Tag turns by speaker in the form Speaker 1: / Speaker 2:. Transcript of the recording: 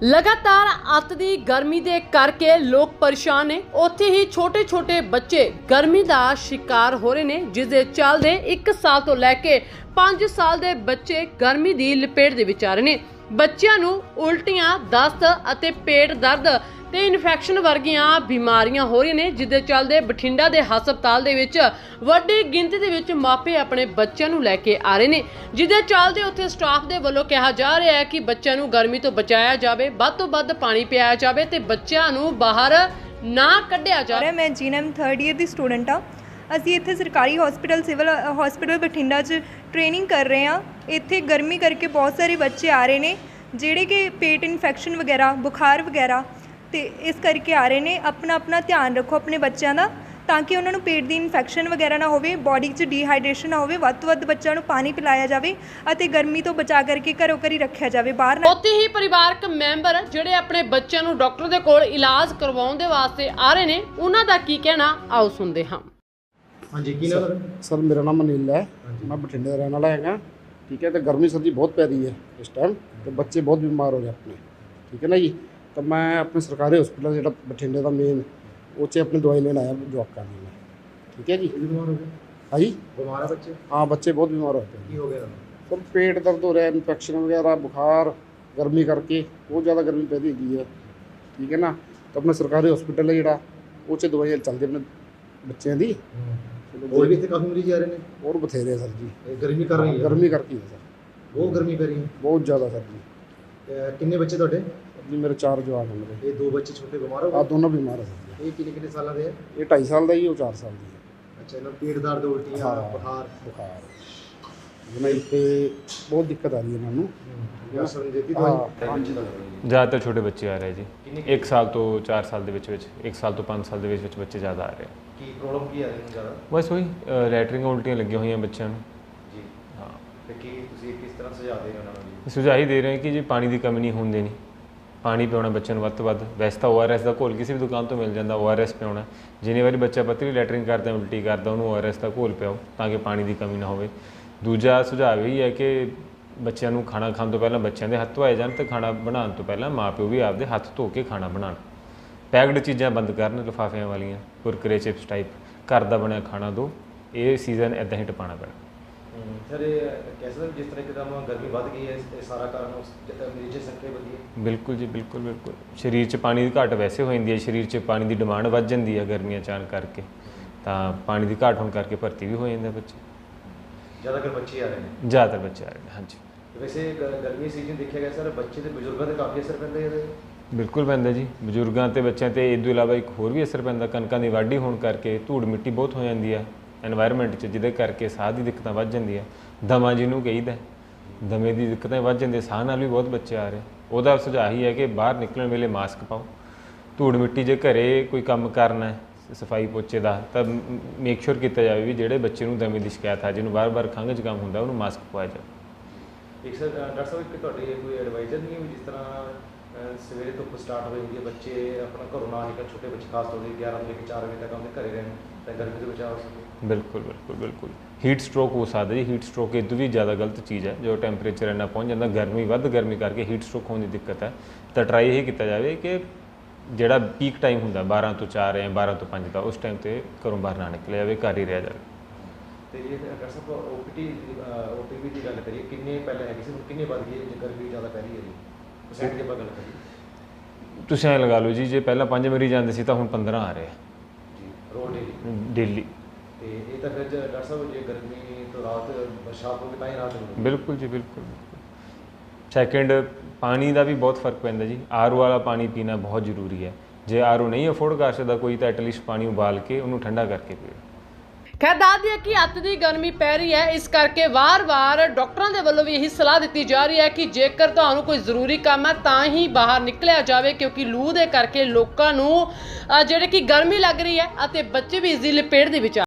Speaker 1: लगातार अत दी गर्मी दे करके लोग परेशान ने। उत्थे ही छोटे छोटे बच्चे गर्मी का शिकार हो रहे हैं, जिस दे चलदे 1 साल तो लैके 5 साल के बच्चे गर्मी की लपेट दे विच आ रहे हैं। बच्चों नूं उल्टियां, दस्त अते पेट दर्द ते इन्फैक्शन वर्गियां बीमारियां हो रही ने, जिस दे चलदे बठिंडा दे हस्पताल दे विच वड्डी गिनती दे विच मापे अपने बच्चों नूं लैके आ रहे ने, जिस दे चलदे उत्थे स्टाफ दे वल्लों कहा जा रहा है कि बच्चों नूं गर्मी तो बचाया जाए, वध तो वध पानी पियाया जाए ते बच्चों नूं बाहर ना कढ़िया जाए।
Speaker 2: मैं जीएनएम 3rd ईयर की स्टूडेंट हाँ। ਅਸੀਂ ਇੱਥੇ ਸਰਕਾਰੀ ਹਸਪੀਟਲ ਸਿਵਲ ਹਸਪੀਟਲ ਬਠਿੰਡਾ 'ਚ ਟ੍ਰੇਨਿੰਗ ਕਰ ਰਹੇ ਹਾਂ। ਇੱਥੇ ਗਰਮੀ ਕਰਕੇ ਬਹੁਤ ਸਾਰੇ ਬੱਚੇ ਆ ਰਹੇ ਨੇ ਜਿਹੜੇ ਕਿ ਪੇਟ ਇਨਫੈਕਸ਼ਨ ਵਗੈਰਾ, ਬੁਖਾਰ ਵਗੈਰਾ ਤੇ ਇਸ ਕਰਕੇ ਆ ਰਹੇ ਨੇ। ਆਪਣਾ ਧਿਆਨ ਰੱਖੋ ਆਪਣੇ ਬੱਚਿਆਂ ਦਾ, ਤਾਂ ਕਿ ਉਹਨਾਂ ਨੂੰ ਪੇਟ ਦੀ ਇਨਫੈਕਸ਼ਨ ਵਗੈਰਾ ਨਾ ਹੋਵੇ, ਬੋਡੀ 'ਚ ਡੀਹਾਈਡਰੇਸ਼ਨ ਨਾ ਹੋਵੇ। ਵੱਧ ਤੋਂ ਵੱਧ ਬੱਚਿਆਂ ਨੂੰ ਪਾਣੀ ਪਿਲਾਇਆ ਜਾਵੇ ਅਤੇ ਗਰਮੀ ਤੋਂ ਬਚਾ ਕਰਕੇ ਘਰੋਂ ਘਰੀ ਰੱਖਿਆ ਜਾਵੇ, ਬਾਹਰ ਨਾ।
Speaker 1: ਉੱਥੇ ਹੀ ਪਰਿਵਾਰਕ ਮੈਂਬਰ ਜਿਹੜੇ ਆਪਣੇ ਬੱਚਿਆਂ ਨੂੰ ਡਾਕਟਰ ਦੇ ਕੋਲ ਇਲਾਜ ਕਰਵਾਉਣ ਦੇ ਵਾਸਤੇ ਆ ਰਹੇ ਨੇ, ਉਹਨਾਂ ਦਾ ਕੀ ਕਹਿਣਾ ਆਓ ਸੁਣਦੇ ਹਾਂ।
Speaker 3: हाँ जी, की नाम
Speaker 4: सर मेरा नाम अनिल है, मैं बठिंडे का रहने वाला है। ठीक है, तो गर्मी सर्दी बहुत पै रही है इस टाइम, तो बच्चे बहुत बीमार हो रहे हैं अपने। ठीक है ना जी, तो मैं अपने सरकारी हॉस्पिटल जो बठिंडे का मेन उसे अपनी दवाई लेने आया जॉब करने में। ठीक है जी,
Speaker 3: बीमार हो गए?
Speaker 4: हाँ जी,
Speaker 3: बीमार है बच्चे?
Speaker 4: हाँ, बच्चे बहुत बीमार होते हैं।
Speaker 3: की हो गया?
Speaker 4: सर पेट दर्द हो रहा है, इन्फेक्शन वगैरह, बुखार, गर्मी करके बहुत ज़्यादा गर्मी पैदी हुई है। ठीक है ना, तो अपने सरकारी हॉस्पिटल है जो उसे दवाइयाँ चलती अपने बच्चों की।
Speaker 3: और भी काफ़ी मरीज आ रहे हैं
Speaker 4: और बथेरे सर जी,
Speaker 3: गर्मी कर रही है?
Speaker 4: गर्मी करके है सर,
Speaker 3: बहुत गर्मी पै रही है,
Speaker 4: बहुत ज़्यादा सर जी।
Speaker 3: किन्ने बच्चे थोड़े?
Speaker 4: जी मेरे 4 जवान हैं मेरे।
Speaker 3: ये 2 बच्चे छोटे बीमार हो
Speaker 4: हाँ,
Speaker 3: गए?
Speaker 4: दोनों बीमार है सर जी।
Speaker 3: ये किन्ने साल के हैं?
Speaker 4: ये 2.5 साल का ही, वो 4 साल की है।
Speaker 3: अच्छा, इन्हें पेट दर्द, उल्टियाँ,
Speaker 4: हाँ,
Speaker 3: बुखार?
Speaker 4: बुखार नहीं पे बहुत दिक्कत आ रही है इन्होंने।
Speaker 3: देती
Speaker 4: हाँ,
Speaker 5: ज़्यादातर छोटे बच्चे आ रहे हैं जी, 1 साल तो 4 साल ਦੇ ਵਿੱਚ 1 ਸਾਲ ਤੋਂ 5 ਸਾਲ ਦੇ ਵਿੱਚ ਬੱਚੇ ਜ਼ਿਆਦਾ ਆ ਰਹੇ ਆ।
Speaker 3: ਕੀ ਪ੍ਰੋਬਲਮ ਕੀ ਆ ਰਹੀ ਹੈ ਜ਼ਿਆਦਾ?
Speaker 5: ਬਸ ਉਹੀ ਲੈਟਰਿੰਗ ਉਲਟੀਆਂ ਲੱਗੀਆਂ ਹੋਈਆਂ ਬੱਚਿਆਂ ਨੂੰ
Speaker 3: ਜੀ।
Speaker 5: ਹਾਂ,
Speaker 3: ਤੇ ਕੀ ਤੁਸੀਂ ਕਿਸ ਤਰ੍ਹਾਂ ਸੁਝਾਅ ਦੇ ਰਹੇ ਹੋ ਉਹਨਾਂ ਨੂੰ ਜੀ?
Speaker 5: ਸੁਝਾਅ ਹੀ ਦੇ ਰਹੇ ਕਿ ਜੀ ਪਾਣੀ ਦੀ ਕਮੀ ਨਹੀਂ ਹੋਣ ਦੇਣੀ, ਪਾਣੀ ਪਿਆਉਣਾ ਬੱਚਿਆਂ ਨੂੰ ਵੱਧ ਤੋਂ ਵੱਧ। ਵੈਸੇ ਤਾਂ ORS ਦਾ ਘੋਲ ਕਿਸੇ ਵੀ ਦੁਕਾਨ ਤੋਂ ਮਿਲ ਜਾਂਦਾ, ORS ਪਿਆਉਣਾ। ਜਿੰਨੀ ਵਾਰੀ ਬੱਚਾ ਪਤਲੀ ਲੈਟਰਿੰਗ ਕਰਦਾ, ਉਲਟੀ ਕਰਦਾ, ਉਹਨੂੰ ORS ਦਾ ਘੋਲ ਪਿਆਓ ਤਾਂ ਕਿ ਪਾਣੀ ਦੀ ਕਮੀ ਨਾ ਹੋਵੇ। ਦੂਜਾ ਸੁਝਾਅ ਇਹ ਹੈ ਕਿ ਬੱਚਿਆਂ ਨੂੰ ਖਾਣਾ ਖਾਣ ਤੋਂ ਪਹਿਲਾਂ ਬੱਚਿਆਂ ਦੇ ਹੱਥ ਧੋਏ ਜਾਣ, ਤੇ ਖਾਣਾ ਬਣਾਉਣ ਤੋਂ ਪਹਿਲਾਂ ਮਾਂ ਪਿਓ ਵੀ ਆਪਦੇ ਹੱਥ ਧੋ ਕੇ ਖਾਣਾ ਬਣਾਉਣ। ਪੈਕਡ ਚੀਜ਼ਾਂ ਬੰਦ ਕਰਨ, ਲਿਫਾਫਿਆਂ ਵਾਲੀਆਂ, ਕੁਰਕਰੇ, ਚਿਪਸ ਟਾਈਪ। ਘਰ ਦਾ ਬਣਿਆ ਖਾਣਾ ਦਿਓ। ਇਹ ਸੀਜ਼ਨ ਇੱਦਾਂ ਹੀ ਟਪਾਉਣਾ ਪੈਣਾ।
Speaker 3: ਸਰ कैसे जिस तरह एकदम गर्मी बढ़ गई है, ये सारा कारण मरीज संख्या बढ़ी है?
Speaker 5: ਬਿਲਕੁਲ ਜੀ, ਬਿਲਕੁਲ ਬਿਲਕੁਲ। ਸਰੀਰ 'ਚ ਪਾਣੀ ਦੀ ਘਾਟ ਵੈਸੇ ਹੋ ਜਾਂਦੀ ਹੈ, ਸਰੀਰ 'ਚ ਪਾਣੀ ਦੀ ਡਿਮਾਂਡ ਵੱਧ ਜਾਂਦੀ ਹੈ ਗਰਮੀਆਂ ਚਾਣ ਕਰਕੇ, ਤਾਂ ਪਾਣੀ ਦੀ ਘਾਟ ਹੋਣ ਕਰਕੇ ਭਰਤੀ ਵੀ ਹੋ ਜਾਂਦੇ ਬੱਚੇ।
Speaker 3: ज़्यादातर बच्चे आ रहे हैं?
Speaker 5: ਜ਼ਿਆਦਾਤਰ ਬੱਚੇ ਆ ਰਹੇ ਨੇ, ਹਾਂਜੀ।
Speaker 3: वैसे गर्मी सीजन देखा गया सर, बच्चे तो बजुर्गों पर काफ़ी असर पैंदा है?
Speaker 5: ਬਿਲਕੁਲ ਪੈਂਦਾ ਜੀ, ਬਜ਼ੁਰਗਾਂ ਤੇ ਬੱਚਿਆਂ ਤੇ। ਇਸ ਤੋਂ ਇਲਾਵਾ ਇੱਕ ਹੋਰ ਵੀ ਅਸਰ ਪੈਂਦਾ, ਕਣਕਾਂ ਦੀ ਵਾਢੀ ਹੋਣ ਕਰਕੇ ਧੂੜ ਮਿੱਟੀ ਬਹੁਤ ਹੋ ਜਾਂਦੀ ਹੈ ਐਨਵਾਇਰਨਮੈਂਟ 'ਚ, ਜਿਹਦੇ ਕਰਕੇ ਸਾਹ ਦੀ ਦਿੱਕਤਾਂ ਵੱਧ ਜਾਂਦੀਆਂ। ਦਮਾ ਜਿਹਨੂੰ ਕਹੀਦਾ, ਦਮੇ ਦੀ ਦਿੱਕਤਾਂ ਵੱਧ ਜਾਂਦੀਆਂ, ਸਾਹ ਨਾਲ ਵੀ ਬਹੁਤ ਬੱਚੇ ਆ ਰਹੇ। ਉਹਦਾ ਸੁਝਾਅ ਹੀ ਹੈ ਕਿ ਬਾਹਰ ਨਿਕਲਣ ਵੇਲੇ ਮਾਸਕ ਪਾਓ। ਧੂੜ ਮਿੱਟੀ ਜੇ ਘਰੇ ਕੋਈ ਕੰਮ ਕਰਨਾ ਹੈ ਸਫਾਈ ਪੋਚੇ ਦਾ, ਤਾਂ ਮੇਕ ਸ਼ੋਰ ਕੀਤਾ ਜਾਵੇ ਵੀ ਜਿਹੜੇ ਬੱਚੇ ਨੂੰ ਦਮੇ ਦੀ ਸ਼ਿਕਾਇਤ ਆ, ਜਿਹਨੂੰ ਬਾਰ-ਬਾਰ ਖੰਘ ਜ਼ੁਕਾਮ ਹੁੰਦਾ, ਉਹਨੂੰ ਮਾਸਕ ਪਵਾਇਆ ਜਾਵੇ।
Speaker 3: ਇੱਕ ਸਰ ਡਾਕਟਰ ਸਾਹਿਬ, ਇੱਕ ਤੁਹਾਡੀ ਕੋਈ ਐਡਵਾਈਜ਼ਰ ਨਹੀਂ ਹੈ ਜਿਸ ਤਰ੍ਹਾਂ ਸਵੇਰੇ ਧੁੱਪ ਸਟਾਰਟ ਹੋ ਜਾਂਦੀ ਹੈ, ਬੱਚੇ ਆਪਣਾ ਘਰੋਂ ਨਾ ਨਿਕਲ, ਛੋਟੇ ਬੱਚੇ ਖਾਸ ਤੌਰ 'ਤੇ 11 ਤੋਂ ਲੈ ਕੇ 4 ਵਜੇ ਤੱਕ ਆਪਣੇ ਘਰੇ ਰਹਿਣ, ਤਾਂ ਗਰਮੀ ਤੋਂ ਬਚਾਅ ਹੋ ਸਕੇ?
Speaker 5: ਬਿਲਕੁਲ ਬਿਲਕੁਲ ਬਿਲਕੁਲ। ਹੀਟ ਸਟ੍ਰੋਕ ਹੋ ਸਕਦਾ ਜੀ। ਹੀਟ ਸਟ੍ਰੋਕ ਇਹ ਤੋਂ ਵੀ ਜ਼ਿਆਦਾ ਗਲਤ ਚੀਜ਼ ਹੈ, ਜੋ ਟੈਂਪਰੇਚਰ ਇੰਨਾ ਪਹੁੰਚ ਜਾਂਦਾ, ਗਰਮੀ ਕਰਕੇ ਹੀਟ ਸਟ੍ਰੋਕ ਹੋਣ ਦੀ ਦਿੱਕਤ ਹੈ। ਤਾਂ ਟਰਾਈ ਇਹ ਕੀਤਾ ਜਾਵੇ ਕਿ ਜਿਹੜਾ ਪੀਕ ਟਾਈਮ ਹੁੰਦਾ 12 ਤੋਂ 4 ਜਾਂ 12 ਤੋਂ 5 ਦਾ, ਉਸ ਟਾਈਮ 'ਤੇ ਘਰੋਂ ਬਾਹਰ ਨਾ ਨਿਕਲਿਆ ਜਾਵੇ, ਘਰ ਹੀ ਰਿਹਾ ਜਾਵੇ।
Speaker 3: ਅਤੇ ਜੇ ਡਾਕਟਰ ਸਾਹਿਬ OPV ਦੀ ਗੱਲ ਕਰੀਏ, ਕਿੰਨੇ ਪਹਿਲਾਂ ਹੈਗੀ ਸੀ, ਹੁਣ ਕਿੰਨੇ ਵੱਧ ਗਈ ਹੈ ਜੇ ਗਰਮੀ ਜ਼ਿਆਦਾ ਪੈ ਰਹੀ ਹੈ ਜੀ? ਪਰਸੈਂਟ ਦੀ ਆਪਾਂ ਗੱਲ ਕਰੀਏ,
Speaker 5: ਤੁਸੀਂ ਐਂ ਲਗਾ ਲਓ ਜੀ, ਜੇ ਪਹਿਲਾਂ 5 ਮਰੀਜ਼ ਆਉਂਦੇ ਸੀ ਤਾਂ ਹੁਣ 15 ਆ ਰਹੇ ਆ
Speaker 3: ਜੀ, ਰੋਜ਼
Speaker 5: ਡੇਲੀ।
Speaker 3: ਤੇ ਇਹ ਤਾਂ ਫਿਰ ਡਾਕਟਰ ਸਾਹਿਬ ਜੇ ਗਰਮੀ ਤੋਂ ਰਾਹਤ, ਬਰਸਾਤ ਹੋਵੇ ਤਾਂ ਹੀ ਰਾਹਤ ਮਿਲੇਗੀ?
Speaker 5: ਬਿਲਕੁਲ ਜੀ, ਬਿਲਕੁਲ। ਸੈਕਿੰਡ, ਪਾਣੀ ਦਾ ਵੀ ਬਹੁਤ ਫਰਕ ਪੈਂਦਾ ਜੀ। RO ਵਾਲਾ ਪਾਣੀ ਪੀਣਾ ਬਹੁਤ ਜ਼ਰੂਰੀ ਹੈ। ਜੇ RO ਨਹੀਂ ਅਫੋਰਡ ਕਰ ਸਕਦਾ ਕੋਈ, ਤਾਂ ਐਟਲੀਸਟ ਪਾਣੀ ਉਬਾਲ ਕੇ ਉਹਨੂੰ ਠੰਡਾ ਕਰਕੇ ਪੀਓ।
Speaker 1: खैर दस दिए कि अत की गर्मी पै रही है, इस करके वार-वार डॉक्टरों के वालों भी यही सलाह दी जा रही है कि जेकर तुहानूं कोई जरूरी काम है तां ही बाहर निकलिया जाए, क्योंकि लू दे करके लोकां नूं जिहड़ी कि गर्मी लग रही है, बच्चे भी इस दी लपेट दे विच